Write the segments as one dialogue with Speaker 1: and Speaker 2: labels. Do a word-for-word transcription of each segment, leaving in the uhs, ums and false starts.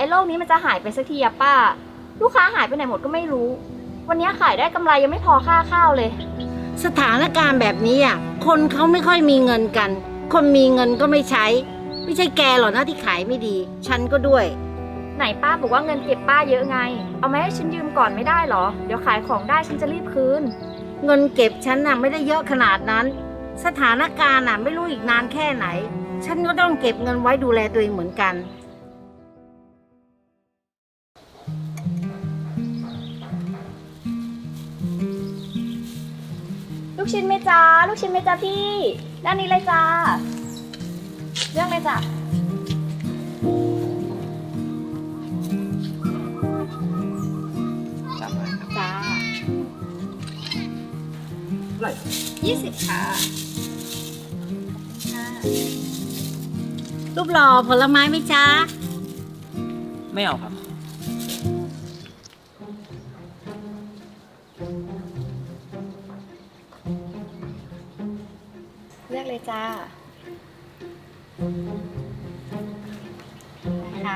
Speaker 1: อ้โรคนี้มันจะหายไปสักทีอะป้าลูกค้าหายไปไหนหมดก็ไม่รู้วันนี้ขายได้กำไรยังไม่พอค่าข้าวเลย
Speaker 2: สถานการณ์แบบนี้อ่ะคนเขาไม่ค่อยมีเงินกันคนมีเงินก็ไม่ใช้ไม่ใช่แกหรอกนะที่ขายไม่ดีฉันก็ด้วย
Speaker 1: ไหนป้าบอกว่าเงินเก็บป้าเยอะไงเอามาให้ฉันยืมก่อนไม่ได้หรอเดี๋ยวขายของได้ฉันจะรีบคืน
Speaker 2: เงินเก็บฉันน่ะไม่ได้เยอะขนาดนั้นสถานการณ์น่ะไม่รู้อีกนานแค่ไหนฉันก็ต้องเก็บเงินไว้ดูแลตัวเองเหมือนกัน
Speaker 1: ลูกชิ้นไหมจ้าลูกชิ้นไหมจ้าพี่ด้านนี้เลยจ้าเรื่องเลยจ้าจ้า
Speaker 3: ไร
Speaker 1: ยี่สิบค่ะ
Speaker 2: รูปหล่อผลไม้ไหมจ๊ะ
Speaker 3: ไม่เอาครับ
Speaker 1: เลือกเลยจ้าค่ะ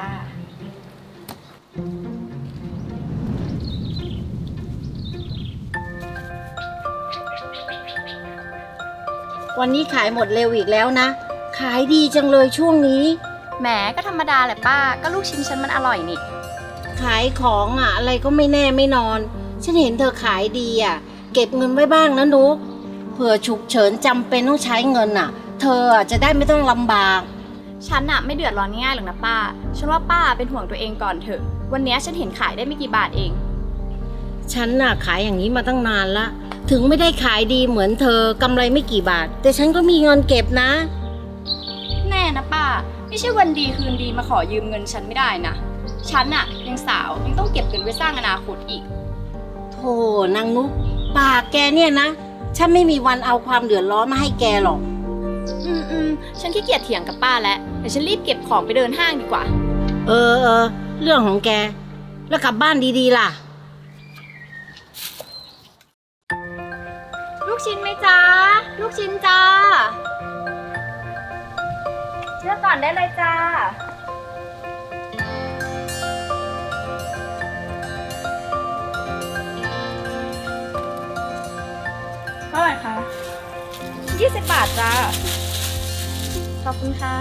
Speaker 2: วันนี้ขายหมดเร็วอีกแล้วนะขายดีจังเลยช่วงนี้
Speaker 1: แหมก็ธรรมดาแหละป้าก็ลูกชิ้นฉันมันอร่อยนี่
Speaker 2: ขายของอ่ะอะไรก็ไม่แน่ไม่นอนฉันเห็นเธอขายดีอ่ะเก็บเงินไว้บ้างนะนุ๊กเผื่อฉุกเฉินจำเป็นต้องใช้เงินอ่ะเธอจะได้ไม่ต้องลำบาก
Speaker 1: ฉันอะไม่เดือดร้อนง่ายหรอกนะป้าฉันว่าป้าเป็นห่วงตัวเองก่อนเถอะวันนี้ฉันเห็นขายได้ไม่กี่บาทเอง
Speaker 2: ฉันน่ะขายอย่างนี้มาตั้งนานละถึงไม่ได้ขายดีเหมือนเธอกำไรไม่กี่บาทแต่ฉันก็มีเงินเก็บนะ
Speaker 1: แน่นะป้าไม่ใช่วันดีคืนดีมาขอยืมเงินฉันไม่ได้นะฉันอะยังสาวยังต้องเก็บเงินไว้สร้างอนาคตอีก
Speaker 2: โธ่นางนุ๊กปากแกเนี่ยนะฉันไม่มีวันเอาความเดือดร้อนมาให้แกหรอก
Speaker 1: อืมอืมฉันขี้เกียจเถียงกับป้าแล้วเดี๋ยวฉันรีบเก็บของไปเดินห้างดีกว่า
Speaker 2: เออเออเรื่องของแกแล้วกลับบ้านดีๆล่ะ
Speaker 1: ลูกชิ้นไหมจ้าลูกชิ้นจ้าเลือกก่อนได้เลยจ้าเท่าไหร่คะยี่สิบบาทจ้าขอบคุณค่ะ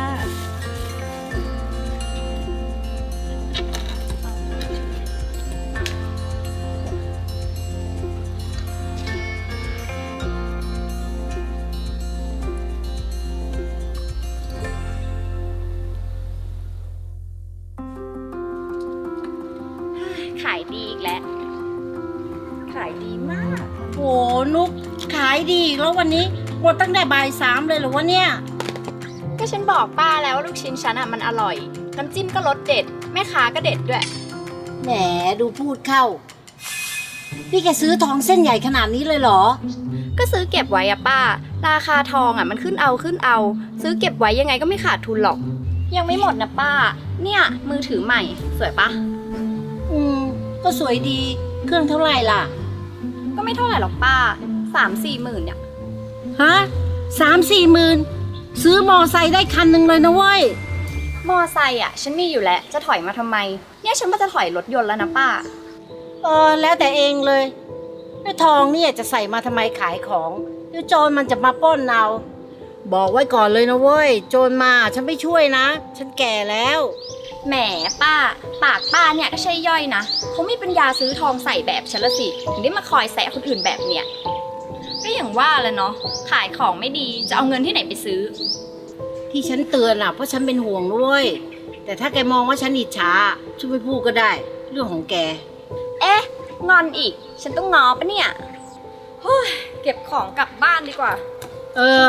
Speaker 1: ขายดีอีกแล้วขายดีมาก
Speaker 2: โหนุ๊กขายดีอีกแล้ววันนี้หมดตั้งแต่บ่ายสามเลยเหรอวะเนี่ย
Speaker 1: ก็ฉันบอกป้าแล้วว่าลูกชิ้นฉันอ่ะมันอร่อยน้ำจิ้มก็รสเด็ดแม่ค้าก็เด็ดด้วย
Speaker 2: แหมดูพูดเข้าพี่แกซื้อทองเส้นใหญ่ขนาดนี้เลยเหรอ
Speaker 1: ก็ซื้อเก็บไว้อะป้าราคาทองอ่ะมันขึ้นเอาขึ้นเอาซื้อเก็บไว้ยังไงก็ไม่ขาดทุนหรอกยังไม่หมดนะป้าเนี่ยมือถือใหม่สวยปะ
Speaker 2: อืมก็สวยดีเครื่องเท่าไหร่ล่ะ
Speaker 1: ก็ไม่เท่าไหร่หรอกป้าสามสี่หมื่นเนี่ย
Speaker 2: ฮะสามสี่หมื่นซื้อมอไซค์ได้คันหนึ่งเลยนะเว้ย
Speaker 1: มอไซค์อ่ะฉันมีอยู่แล้วจะถอยมาทำไมเนี่ยฉันว่าจะถอยรถยนต์แล้วนะป้า
Speaker 2: เออแล้วแต่เองเลยแล้วทองเนี่ยจะใส่มาทำไมขายของเดี๋ยวโจรมันจะมาปล้นเอาบอกไว้ก่อนเลยนะเว้ยโจรมาฉันไม่ช่วยนะฉันแก่แล้ว
Speaker 1: แหมป้าปากป้าเนี่ยก็ใช่ย่อยนะเขาไม่ปัญญาซื้อทองใส่แบบฉันละสิถึงได้มาคอยแสะคนอื่นแบบเนี้ยก็อย่างว่าแหละเนาะขายของไม่ดีจะเอาเงินที่ไหนไปซื้อ
Speaker 2: ที่ฉันเตือนอ่ะเพราะฉันเป็นห่วงด้วยแต่ถ้าแกมองว่าฉันอิจฉาช่วยไม่พูดก็ได้เรื่องของแก
Speaker 1: เอ๊ะงอนอีกฉันต้องงอปะเนี่ยเฮ้ยเก็บของกลับบ้านดีกว่า
Speaker 2: เออ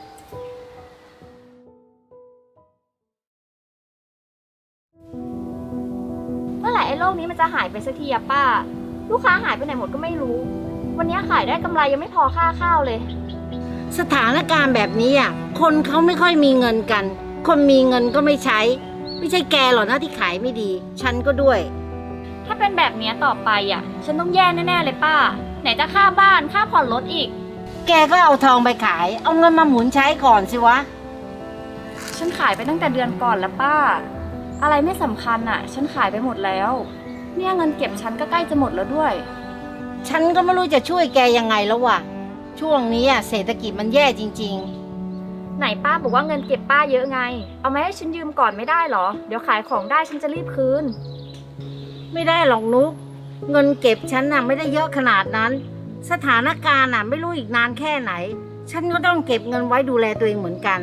Speaker 1: เมื่อไหร่ไอ้โรคนี้มันจะหายไปสักทีอะป้าลูกค้าหายไปไหนหมดก็ไม่รู้วันนี้ขายได้กำไรยังไม่พอค่าข้าวเลย
Speaker 2: สถานการณ์แบบนี้อ่ะคนเขาไม่ค่อยมีเงินกันคนมีเงินก็ไม่ใช้ไม่ใช่แกหรอกนะที่ขายไม่ดีฉันก็ด้วย
Speaker 1: ถ้าเป็นแบบนี้ต่อไปอ่ะฉันต้องแย่แน่ๆเลยป้าไหนจะค่าบ้านค่าผ่อนรถอีก
Speaker 2: แกก็เอาทองไปขายเอาเงินมาหมุนใช้ก่อนสิวะ
Speaker 1: ฉันขายไปตั้งแต่เดือนก่อนแล้วป้าอะไรไม่สำคัญอะฉันขายไปหมดแล้ว เนี่ยเงินเก็บฉันก็ใกล้จะหมดแล้วด้วย
Speaker 2: ฉันก็ไม่รู้จะช่วยแกยังไงแล้วว่ะ ช่วงนี้อะเศรษฐกิจมันแย่จริง
Speaker 1: ไหนป้าบอกว่าเงินเก็บป้าเยอะไง เอามาให้ฉันยืมก่อนไม่ได้เหรอ เดี๋ยวขายของได้ฉันจะรีบคืน
Speaker 2: ๆ ไม่ได้หรอกนุก เงินเก็บฉันน่ะไม่ได้เยอะขนาดนั้น สถานการณ์น่ะไม่รู้อีกนานแค่ไหน ฉันก็ต้องเก็บเงินไว้ดูแลตัวเองเหมือนกัน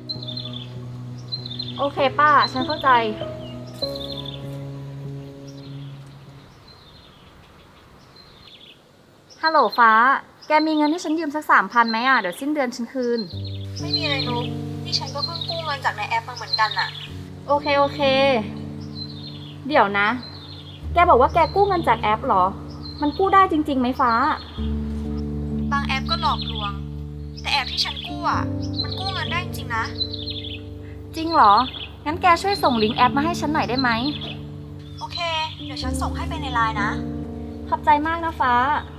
Speaker 1: โอเคป้า ฉันเข้าใจ ฮัลโหลฟ้า แกมีเงินให้ฉันยืมสักสามพันไหมอ่ะ เดี๋ยวสิ้นเดือนฉันคืน
Speaker 4: ไม่มีอะไรนุ๊กนี่ฉันก็เพิ่งกู้เงินจากในแอปมาเหมือนกันน่ะ
Speaker 1: โอเคโอเค เดี๋ยวนะ แกบอกว่าแกกู้เงินจากแอปเหรอ มันกู้ได้จริงๆไหมฟ้า
Speaker 4: บางแอปก็หลอกลวง แต่แอปที่ฉันกู้อ่ะ มันกู้เงินได้จริงๆนะ
Speaker 1: จริงเหรอ งั้นแกช่วยส่งลิงก์แอปมาให้ฉันหน่อยได้ไหม
Speaker 4: โอเค เดี๋ยวฉันส่งให้ไปในไลน์นะ
Speaker 1: ขอบใจมากนะฟ้า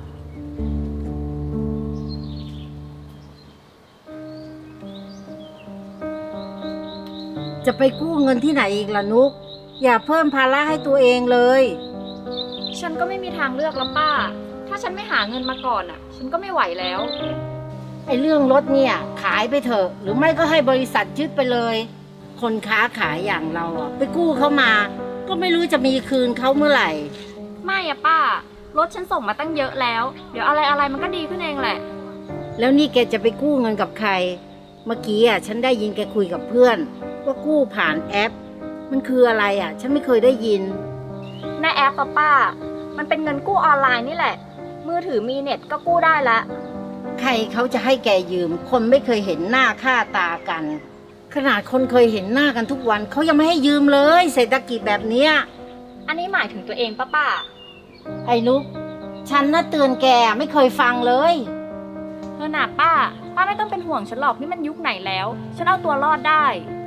Speaker 2: จะไปกู้เงินที่ไหนอีกล่ะนุก อย่าเพิ่มภาระให้ตัวเองเลย
Speaker 1: ฉันก็ไม่มีทางเลือกแล้วป้า ถ้าฉันไม่หาเงินมาก่อนอ่ะ ฉันก็ไม่ไหวแล้ว
Speaker 2: ไอ้เรื่องรถเนี่ยขายไปเถอะ หรือไม่ก็ให้บริษัทยึดไปเลย คนค้าขายอย่างเราอะไปกู้เขามา ก็ไม่รู้จะมีคืนเขาเมื่อไหร่
Speaker 1: ไม่อะป้า รถฉันส่งมาตั้งเยอะแล้ว เดี๋ยวอะไรอะไรมันก็ดีขึ้นเองแหละ
Speaker 2: แล้วนี่แกจะไปกู้เงินกับใคร เมื่อกี้อะฉันได้ยินแกคุยกับเพื่อน ว่ากู้ผ่านแอป มันคืออะไรอะฉันไม่เคยได้ยิน
Speaker 1: ในแอปอะป้า มันเป็นเงินกู้ออนไลน์นี่แหละ มือถือมีเน็ตก็กู้ได้ละ
Speaker 2: ใครเขาจะให้แกยืม คนไม่เคยเห็นหน้าค่าตากัน ขนาดคนเคยเห็นหน้ากันทุกวันเขายังไม่ให้ยืมเลย เศรษฐกิจแบบเนี้ย
Speaker 1: อันนี้หมายถึงตัวเองป้าป้า
Speaker 2: ไอ้นุกฉันน่ะเตือนแกไม่เคยฟังเลย
Speaker 1: เออน่ะป้า ป้าไม่ต้องเป็นห่วงฉันหรอกนี่มันยุคไหนแล้ว ฉันเอาตัวรอดได้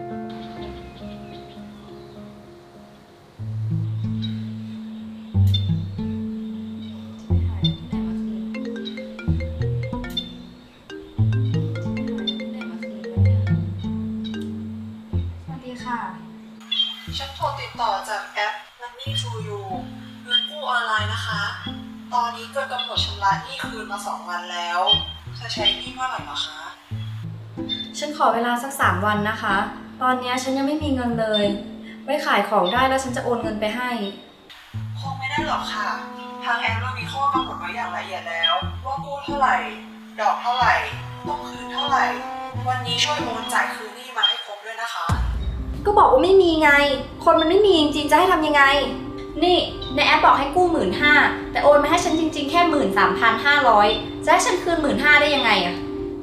Speaker 4: สวัสดีค่ะ ฉันโทรติดต่อจากแอป Money to You เงินกู้ออนไลน์นะคะ ตอนนี้เกินกำหนดชำระหนี้คืนมาสองวันแล้ว จะใช้หนี้เมื่อไหร่เหรอคะ
Speaker 1: ฉันขอเวลาสักสามวันนะคะ ตอนนี้ฉันยังไม่มีเงินเลย ไว้ขายของได้แล้วฉันจะโอนเงินไปให้
Speaker 4: คงไม่ได้หรอกค่ะ ทางแอปเรามีข้อกำหนดไว้อย่างละเอียดแล้ว ว่ากู้เท่าไหร่ ดอกเท่าไหร่ ต้องคืนเท่าไหร่ วันนี้ช่วยโอนจ่ายคืนหนี้มาให้ครบด้วยนะคะ
Speaker 1: ก็บอกว่าไม่มีไง คนมันไม่มีจริงๆจะให้ทำยังไง นี่ในแอปบอกให้กู้หมื่นห้าแต่โอนมาให้ฉันจริงๆแค่หมื่นสามพันห้าร้อยจะให้ฉันคืนหมื่นห้าได้ยังไงอะ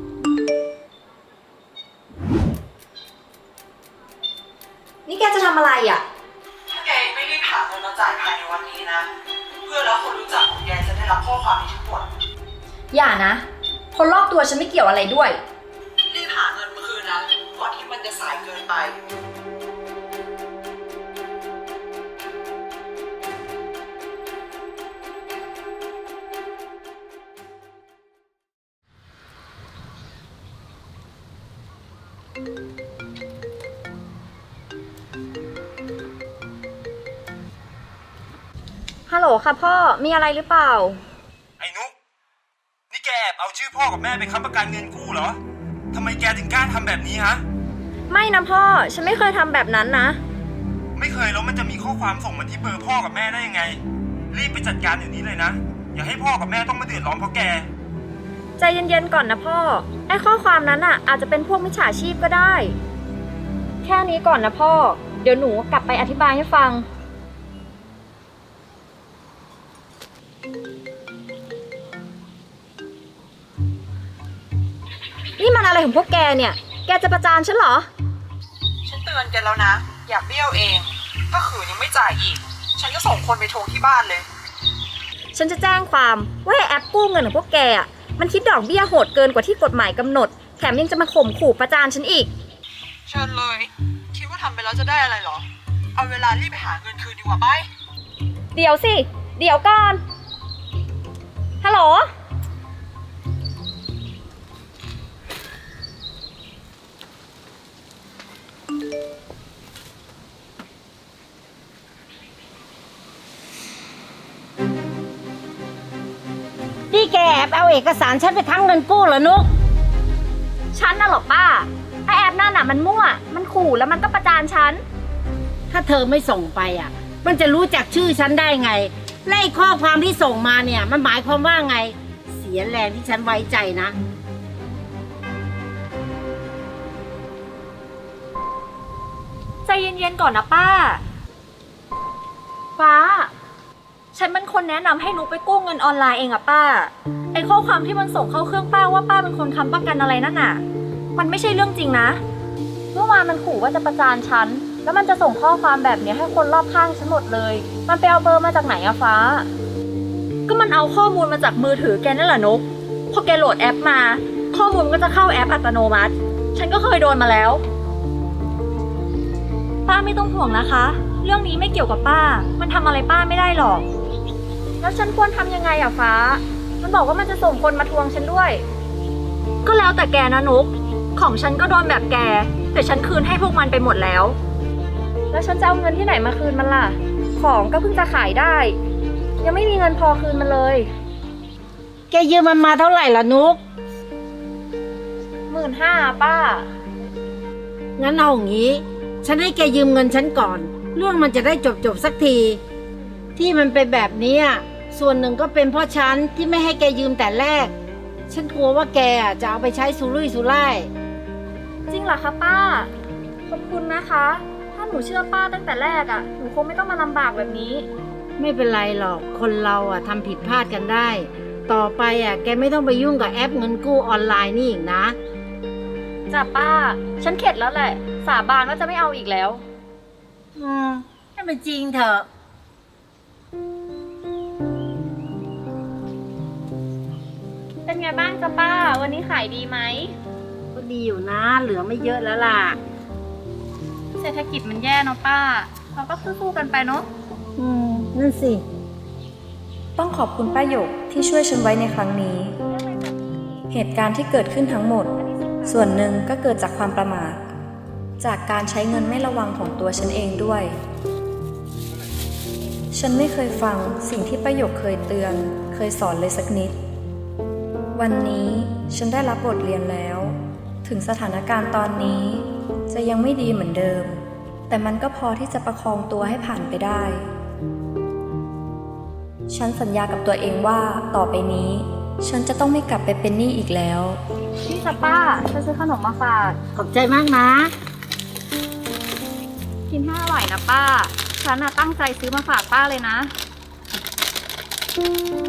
Speaker 1: นี่แกจะทำอะไรอะ
Speaker 4: ถ้าแกไม่รีบหาเงินมาจ่ายภายในวันนี้นะ เพื่อนและคนรู้จักของแกจะได้รับข้อความนี้ทั้งหมด
Speaker 1: อย่านะ คนรอบตัวฉันไม่เกี่ยวอะไรด้วย
Speaker 4: รีบหาเงินมาคืนนะ ก่อนที่มันจะสายเกินไป
Speaker 1: ฮัลโหลค่ะพ่อ มีอะไรหรือเปล่า
Speaker 3: ไอ้นุ๊กนี่แกแอบเอาชื่อพ่อกับแม่ไปค้ำประกันเงินกู้เหรอทำไมแกถึงกล้าทำแบบนี้ฮะ
Speaker 1: ไม่นะพ่อ ฉันไม่เคยทำแบบนั้นนะ
Speaker 3: ไม่เคยแล้วมันจะมีข้อความส่งมาที่เบอร์พ่อกับแม่ได้ยังไง รีบไปจัดการเดี๋ยวนี้เลยนะ อย่าให้พ่อกับแม่ต้องมาเดือดร้อนเพราะแก
Speaker 1: ใจเย็นๆก่อนนะพ่อ ไอ้ข้อความนั้นอ่ะ อาจจะเป็นพวกมิจฉาชีพก็ได้ แค่นี้ก่อนนะพ่อ เดี๋ยวหนูกลับไปอธิบายให้ฟัง นี่มันอะไรของพวกแกเนี่ย แกจะประจานฉันเหรอ
Speaker 4: ฉันเตือนแกแล้วนะ อย่าเบี้ยวเอง ถ้าขืนยังไม่จ่ายอีก ฉันก็ส่งคนไปทวงที่บ้านเลย
Speaker 1: ฉันจะแจ้งความว่าไอ้แอปกู้เงินของพวกแกอ่ะ มันคิดดอกเบี้ยโหดเกินกว่าที่กฎหมายกำหนด แถมยังจะมาข่มขู่ประจานฉันอีก
Speaker 4: เชิญเลย คิดว่าทำไปแล้วจะได้อะไรเหรอ เอาเวลารีบไปหาเงินคืนดีกว่าไป
Speaker 1: เดี๋ยวสิ เดี๋ยวก่อน ฮัลโหล
Speaker 2: แกแอบเอาเอกสารฉันไปทั้งเงินกู้เหรอนุก
Speaker 1: ฉันน่ะเหรอป้าไอแอปนั่นน่ะมันมั่ว มันขู่แล้วมันก็ประจานฉัน
Speaker 2: ถ้าเธอไม่ส่งไปอ่ะ มันจะรู้จักชื่อฉันได้ไงและไอ้ข้อความที่ส่งมาเนี่ย มันหมายความว่าไง เสียแรงที่ฉันไว้ใจนะ
Speaker 1: ใจเย็นๆก่อนนะป้า ฟ้า ฉันเป็นคนแนะนำให้นุกไปกู้เงินออนไลน์เองอะป้า ไอ้ข้อความที่มันส่งเข้าเครื่องป้าว่าป้าเป็นคนค้ำประกันอะไรนั่นน่ะ มันไม่ใช่เรื่องจริงนะ เมื่อวานมันขู่ว่าจะประจานฉัน แล้วมันจะส่งข้อความแบบนี้ให้คนรอบข้างฉันหมดเลย มันไปเอาเบอร์มาจากไหนอะฟ้า ก็มันเอาข้อมูลมาจากมือถือแกนั่นแหละนุก พอแกโหลดแอปมา ข้อมูลมันก็จะเข้าแอปอัตโนมัติ ฉันก็เคยโดนมาแล้ว ป้าไม่ต้องห่วงนะคะ เรื่องนี้ไม่เกี่ยวกับป้า มันทำอะไรป้าไม่ได้หรอก แล้วฉันควรทำยังไงอะฟ้า มันบอกว่ามันจะส่งคนมาทวงฉันด้วย ก็แล้วแต่แกนะนุก ของฉันก็โดนแบบแก แต่ฉันคืนให้พวกมันไปหมดแล้ว แล้วฉันจะเอาเงินที่ไหนมาคืนมันล่ะ ของก็เพิ่งจะขายได้ ยังไม่มีเงินพอคืนมันเลย
Speaker 2: แกยืมมันมาเท่าไหร่ล่ะนุก
Speaker 1: หมื่นห้าป้า
Speaker 2: งั้นเอาอย่างนี้ ฉันให้แกยืมเงินฉันก่อน เรื่องมันจะได้จบจบๆสักที ที่มันเป็นแบบนี้อ่ะส่วนหนึ่งก็เป็นเพราะฉันที่ไม่ให้แกยืมแต่แรก ฉันกลัวว่าแกอ่ะจะเอาไปใช้สุรุ่ยสุร่าย
Speaker 1: จริงเหรอคะป้า ขอบคุณนะคะ ถ้าหนูเชื่อป้าตั้งแต่แรกอะหนูคงไม่ต้องมาลำบากแบบนี้
Speaker 2: ไม่เป็นไรหรอก คนเราอ่ะทำผิดพลาดกันได้ ต่อไปอ่ะแกไม่ต้องไปยุ่งกับแอปเงินกู้ออนไลน์นี่อีกนะ
Speaker 1: จ้ะป้า ฉันเข็ดแล้วแหละ สาบานว่าจะไม่เอาอีกแล้ว
Speaker 2: อืมให้มันจริงเถอะ
Speaker 1: เป็นไงบ้างจ๊ะป้า วันนี้ขายดีไหม
Speaker 2: ก็ดีอยู่นะ เหลือไม่เยอะแล้วล่ะ
Speaker 1: เศรษฐกิจมันแย่เนาะป้า เราก็สู้ๆกันไปเนาะ
Speaker 2: อืม นั่นสิ
Speaker 5: ต้องขอบคุณป้าหยกที่ช่วยฉันไว้ในครั้งนี้ เหตุการณ์ที่เกิดขึ้นทั้งหมด ส่วนหนึ่งก็เกิดจากความประมาท จากการใช้เงินไม่ระวังของตัวฉันเองด้วย ฉันไม่เคยฟังสิ่งที่ป้าหยกเคยเตือน เคยสอนเลยสักนิด วันนี้ฉันได้รับบทเรียนแล้ว ถึงสถานการณ์ตอนนี้จะยังไม่ดีเหมือนเดิม แต่มันก็พอที่จะประคองตัวให้ผ่านไปได้ ฉันสัญญากับตัวเองว่าต่อไปนี้ ฉันจะต้องไม่กลับไปเป็นหนี้อีกแล้ว
Speaker 1: นี่จ้ะป้า ฉันซื้อขนมมาฝาก
Speaker 2: ขอบใจมากนะ
Speaker 1: กินให้อร่อยนะป้า ฉันน่ะตั้งใจซื้อมาฝากป้าเลยนะ